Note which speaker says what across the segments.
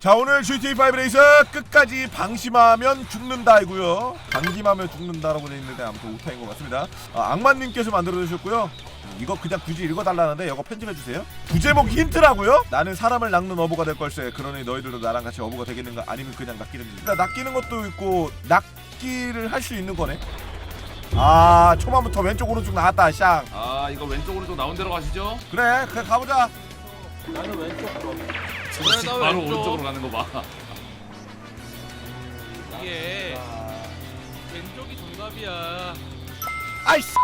Speaker 1: 자, 오늘 GTA5 레이스 끝까지 방심하면 죽는다이고요. 방심하면 죽는다라고 되어 있는데 아무튼 오타인 것 같습니다. 악마님께서 만들어 주셨고요. 이거 그냥 굳이 읽어달라는데 이거 편집해주세요. 부제목 힌트라고요? 나는 사람을 낚는 어부가 될 걸세. 그러니 너희들도 나랑 같이 어부가 되겠는가? 아니면 그냥 낚이든지. 그러니까 낚이는 것도 있고 낚기를 할 수 있는 거네. 아, 초반부터 왼쪽 오른쪽 나왔다. 샹.
Speaker 2: 아 이거 왼쪽 오른쪽 나온 대로 가시죠.
Speaker 1: 그래 가보자.
Speaker 3: 나는 왼쪽으로.
Speaker 2: 정식
Speaker 3: 나
Speaker 2: 바로
Speaker 3: 왼쪽.
Speaker 2: 오른쪽으로 가는 거 봐.
Speaker 3: 이게 왼쪽이 정답이야.
Speaker 1: 아이씨.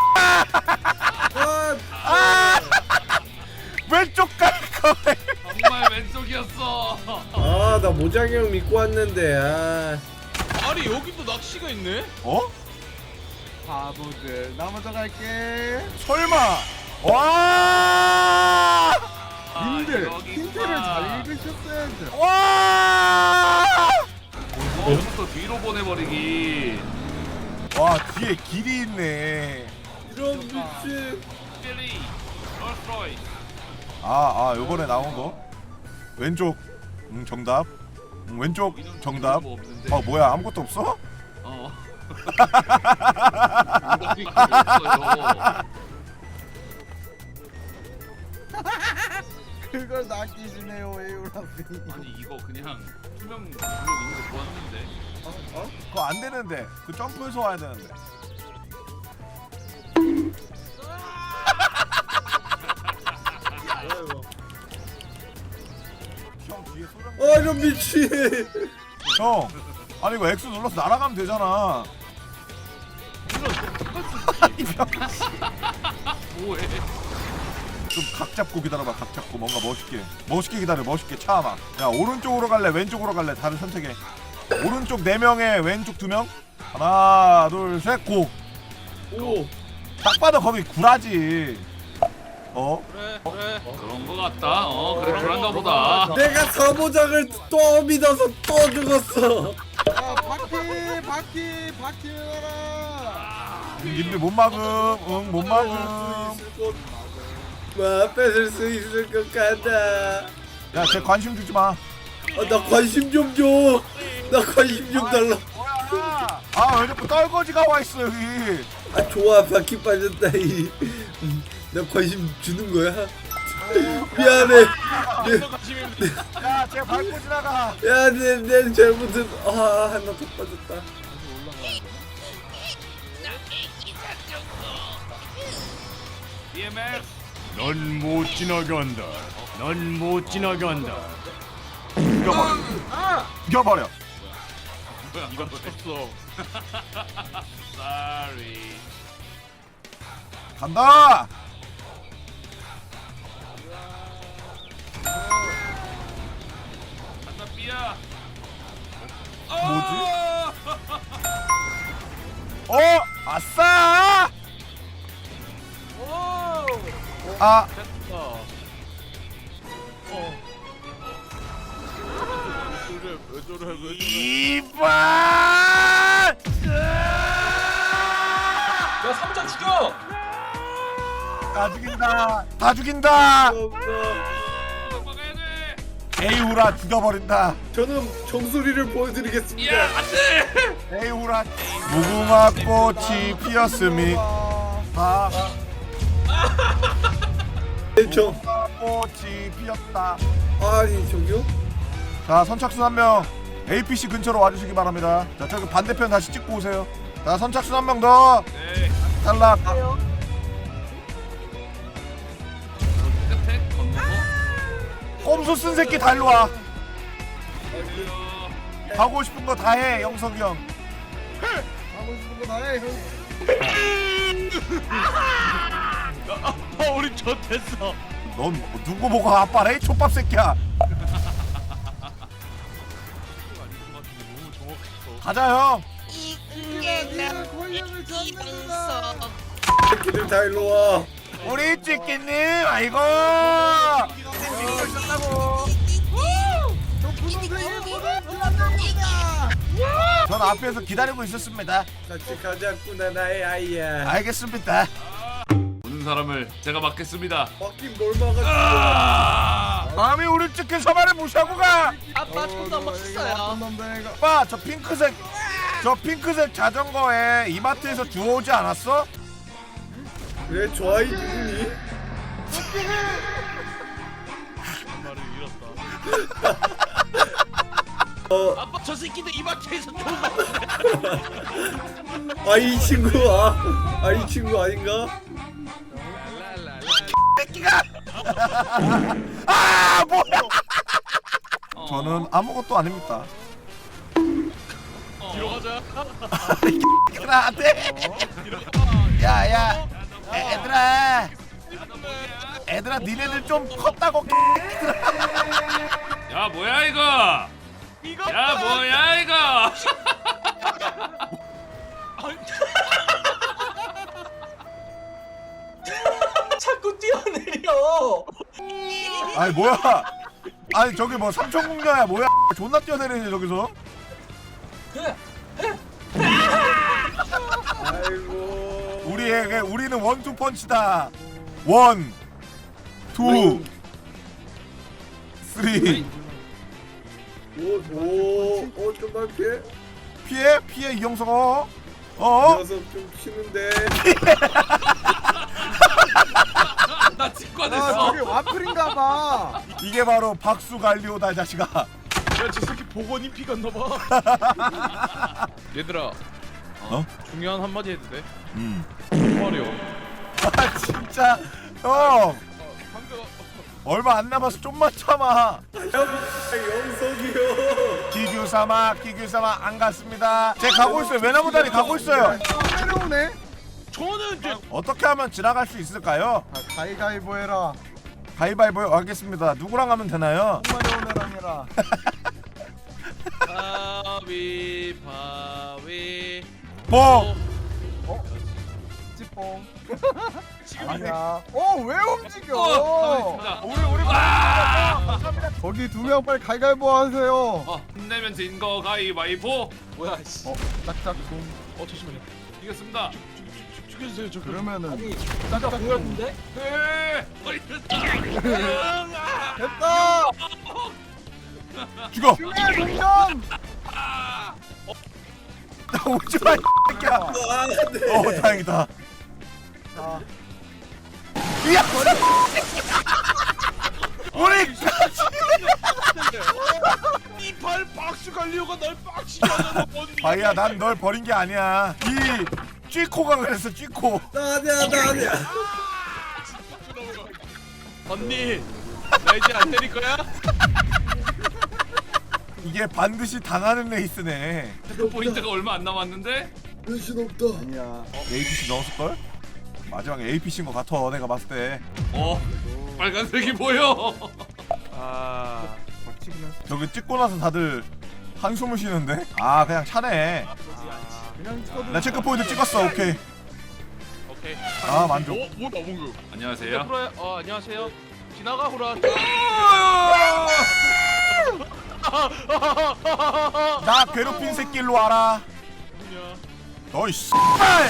Speaker 1: 아, 왼쪽 갈 거네.
Speaker 2: 정말 왼쪽이었어.
Speaker 4: 아, 나 모장이 형 믿고 왔는데.
Speaker 3: 아니 여기도 낚시가 있네?
Speaker 1: 어?
Speaker 4: 바보들. 나 먼저 갈게.
Speaker 1: 설마. 와.
Speaker 4: 님들
Speaker 2: 여기구나.
Speaker 4: 힌트를 잘 읽으셨어야죠.
Speaker 1: 와.
Speaker 2: 또 뒤로 보내버리기.
Speaker 1: 와, 뒤에 길이 있네.
Speaker 4: 이런 미친.
Speaker 2: 빌리, 롤스로이스.
Speaker 1: 요번에 나온 거 왼쪽. 정답. 왼쪽 정답.
Speaker 2: 뭐 없는데.
Speaker 1: 뭐야, 아무것도 없어?
Speaker 2: 어. 이거 없어요.
Speaker 4: 그걸 낚이시네요, 에우라비.
Speaker 2: 아니 이거 그냥 투명 블록 있는 거 보았는데.
Speaker 1: 그거 안 되는데. 그 점프해서 와야 되는데. 형 뒤에 소장.
Speaker 4: 이런 미친.
Speaker 1: 형, 아니 이거 X 눌러서 날아가면 되잖아.
Speaker 2: 뭐해?
Speaker 1: 좀 각 잡고 기다려봐. 각 잡고 뭔가 멋있게 기다려. 멋있게 참아. 야, 오른쪽으로 갈래 왼쪽으로 갈래? 다른 선택해. 오른쪽 4명에 왼쪽 2명. 하나 둘 셋 고.
Speaker 4: 오.
Speaker 1: 딱 봐도 거기 구라지.
Speaker 3: 그래.
Speaker 2: 그런 거 같다. 그래 그런가 보다.
Speaker 4: 내가 사모장을 또 믿어서 또 죽었어.
Speaker 1: 님들 못 막음. 응, 못 막음.
Speaker 4: 뺏을 수 있을 것 같다.
Speaker 1: 야, 쟤 관심 주지 마.
Speaker 4: 나 관심 좀 줘. 나 관심 좀 달라.
Speaker 1: 왜 자꾸 떨거지가 와 있어 여기.
Speaker 4: 좋아, 바퀴 빠졌다. 나 관심 주는 거야. 미안해.
Speaker 1: 야, 쟤 밟고 지나가.
Speaker 4: 야, 내 잘못은 하나 더 빠졌다.
Speaker 2: DMF.
Speaker 5: 넌 못 지나간다. 넌 못 지나간다.
Speaker 1: 죽여버려.
Speaker 3: 이거 쳤어.
Speaker 2: Sorry.
Speaker 1: 간다.
Speaker 2: 간다 삐야.
Speaker 1: 뭐지? 아싸. 아,
Speaker 3: 왜 저래?
Speaker 1: 이발.
Speaker 3: 야 3장 죽여!
Speaker 1: 다 죽인다. 다 죽인다.
Speaker 2: 막아야 돼.
Speaker 1: 에이후라 죽여버린다.
Speaker 4: 저는 정수리를 보여드리겠습니다.
Speaker 2: 야 안돼.
Speaker 1: 에이후라. 무궁화 꽃이 피었음이.
Speaker 4: 저
Speaker 1: 무궁화 꽃이 피었다.
Speaker 4: 아니 저기요?
Speaker 1: 자, 선착순 한 명 APC 근처로 와주시기 바랍니다. 자, 저기 반대편 다시 찍고 오세요. 자, 선착순 한 명 더.
Speaker 2: 네.
Speaker 1: 탈락.
Speaker 2: 끝에 건너서.
Speaker 1: 꼼수 쓴 새끼 다 일로 와. 가고 싶은 거 다 해, 영석이 형.
Speaker 4: 하고 싶은 거 다해.
Speaker 3: 우리 젖됐어.
Speaker 1: 넌 누구 보고 아빠래? 촌밥 새끼야. 가자, 형.
Speaker 4: 새끼들 다 일로 와.
Speaker 1: 우리 찌끼님, 아이고. 전 앞에서 기다리고 있었습니다.
Speaker 4: 같이 가자꾸나 나의 아이야.
Speaker 1: 알겠습니다.
Speaker 2: 오는 사람을 제가 맡겠습니다.
Speaker 4: 바퀴 뭘 막았어?
Speaker 2: 아!
Speaker 1: 감히 우리 찍힌 서만을 무시하고 가.
Speaker 3: 아빠 존나 멋있어요.
Speaker 1: 오빠 저 핑크색 자전거에 이마트에서 주워오지 않았어?
Speaker 4: 그래 저 아이 누구니?
Speaker 3: 말을 잃었다.
Speaker 2: 아빠 저 새끼들 이마트에서 좋은 말.
Speaker 4: 이 친구 이 친구 아닌가?
Speaker 1: 아 뭐야? 저는 아무것도 아닙니다.
Speaker 3: 뒤로 가자.
Speaker 1: 얘들아 안돼. 야야 애들아 니네들 좀 컸다고.
Speaker 2: 야 뭐야 이거? 야 뭐야 이거?
Speaker 3: 자꾸 뛰어내려.
Speaker 1: 아니 뭐야? 아니 저기 뭐 삼천궁녀야 뭐야? 존나 뛰어내리네 저기서.
Speaker 4: 아이고.
Speaker 1: 우리는 원투 펀치다. 원, 투, 쓰리.
Speaker 4: 오 좀만
Speaker 1: 피해 이영석아.
Speaker 4: 녀석 좀 치는데.
Speaker 2: 나 직관했어.
Speaker 6: 와플인가봐.
Speaker 1: 이게 바로 박수 갈리오다 이 자식아.
Speaker 3: 야저 새끼 복원이 피 갔나봐. 얘들아. 중요한 한마디 해도 돼? 말이요.
Speaker 1: 아 진짜 형
Speaker 3: 방금
Speaker 1: 얼마 안 남아서 좀만 참아.
Speaker 4: 영석이요.
Speaker 1: 기규삼아 안 갔습니다. 제 가고 있어요. 외나무 다리 가고 있어요.
Speaker 6: 내려오네.
Speaker 3: 저는 이제
Speaker 1: 어떻게 하면 지나갈 수 있을까요?
Speaker 6: 가위가위보 해라.
Speaker 1: 가위바위보 하겠습니다. 누구랑 하면 되나요?
Speaker 6: 마려운 애랑해라.
Speaker 2: 바위.
Speaker 1: 뽕.
Speaker 6: 찌뽕. 아니야. 왜 움직여?
Speaker 2: 우리
Speaker 6: 거기 두 명 빨리 가위가위보 하세요.
Speaker 2: 힘내면 진 거 가위바위보.
Speaker 3: 뭐야 씨.
Speaker 6: 짝짝꿍.
Speaker 3: 잠시만요.
Speaker 2: 이겼습니다.
Speaker 3: 죽여주세요 저.
Speaker 6: 그러면은
Speaker 3: 짝짝 공였는데?
Speaker 2: 네. 됐다.
Speaker 6: 됐다.
Speaker 1: 죽어.
Speaker 6: 중요한 동점.
Speaker 1: 나 오지 마. 이 새끼야.
Speaker 4: 네.
Speaker 1: 다행이다.
Speaker 6: 자,
Speaker 1: 야, 우리 같이.
Speaker 3: 이발 박수 갈리오가 날 빡치게 하잖아.
Speaker 1: 바이야, 난 널 버린 게 아니야. 이 쥐코가 그랬어, 쥐코.
Speaker 4: 나 아니야.
Speaker 3: 언니 나 이제 안 때릴 거야?
Speaker 1: 이게 반드시 당하는 레이스네.
Speaker 2: 포인트가 얼마 안 남았는데?
Speaker 4: 변신 없다.
Speaker 6: 아니야.
Speaker 1: APC 넣었을 걸? 마지막에 APC인 것 같아, 내가 봤을 때.
Speaker 2: 빨간색이 보여.
Speaker 6: 박치기는
Speaker 1: 저기 찍고 나서 다들 한숨을 쉬는데? 아, 그냥 차네.
Speaker 6: 그냥 찍어도.
Speaker 1: 나 체크 포인트 찍었어, 오케이.
Speaker 3: 오케이.
Speaker 1: 아, 만족.
Speaker 3: 뭐다 뭔가.
Speaker 2: 안녕하세요.
Speaker 3: 프로야. 안녕하세요. 지나가 후라.
Speaker 1: 나 괴롭힌 새끼 일로 와라.
Speaker 3: 누구냐?
Speaker 1: 너이 씨발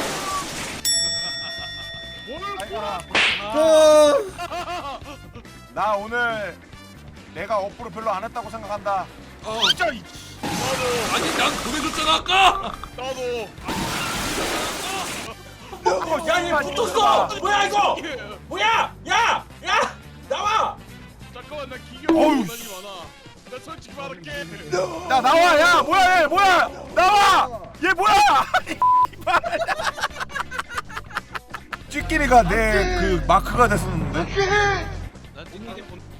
Speaker 1: 나 오늘 내가 업보를 별로 안 했다고 생각한다.
Speaker 3: 진짜 이.
Speaker 2: 아니 난 보내줬잖아 아까.
Speaker 3: 나도.
Speaker 1: 야, 얘 붙었어.
Speaker 3: 뭐야 이거? 뭐야? 야! 나와! 잠깐만 나 기계
Speaker 1: 어우,
Speaker 3: 원한이 많아. 나 솔직히 말할게.
Speaker 1: 야, 나와. 야, 뭐야, 얘 뭐야? 나와. 얘 뭐야? 찌끼리가 내 그 마크가 됐었는데.
Speaker 3: 나 찍는 게 본.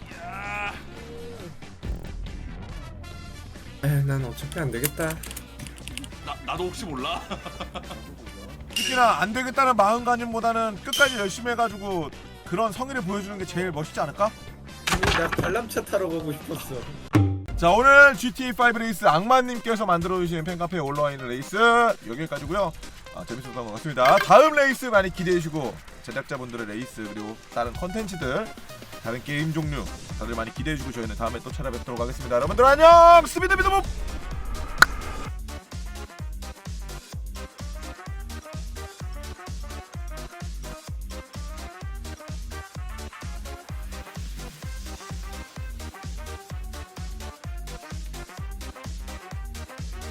Speaker 4: 난 어차피 안 되겠다.
Speaker 2: 나도 혹시 몰라?
Speaker 1: 특히나 안 되겠다는 마음가짐보다는 끝까지 열심히 해가지고 그런 성의를 보여주는 게 제일 멋있지 않을까?
Speaker 4: 나 관람차 타러 가고 싶었어.
Speaker 1: 자, 오늘 GTA5 레이스 악마님께서 만들어주신 팬카페에 올라와 있는 레이스 여기까지고요. 재밌었던 것 같습니다. 다음 레이스 많이 기대해주시고 제작자분들의 레이스 그리고 다른 컨텐츠들 다른 게임 종류 다들 많이 기대해주고 저희는 다음에 또 찾아뵙도록 하겠습니다. 여러분들 안녕. 스비드비드봅.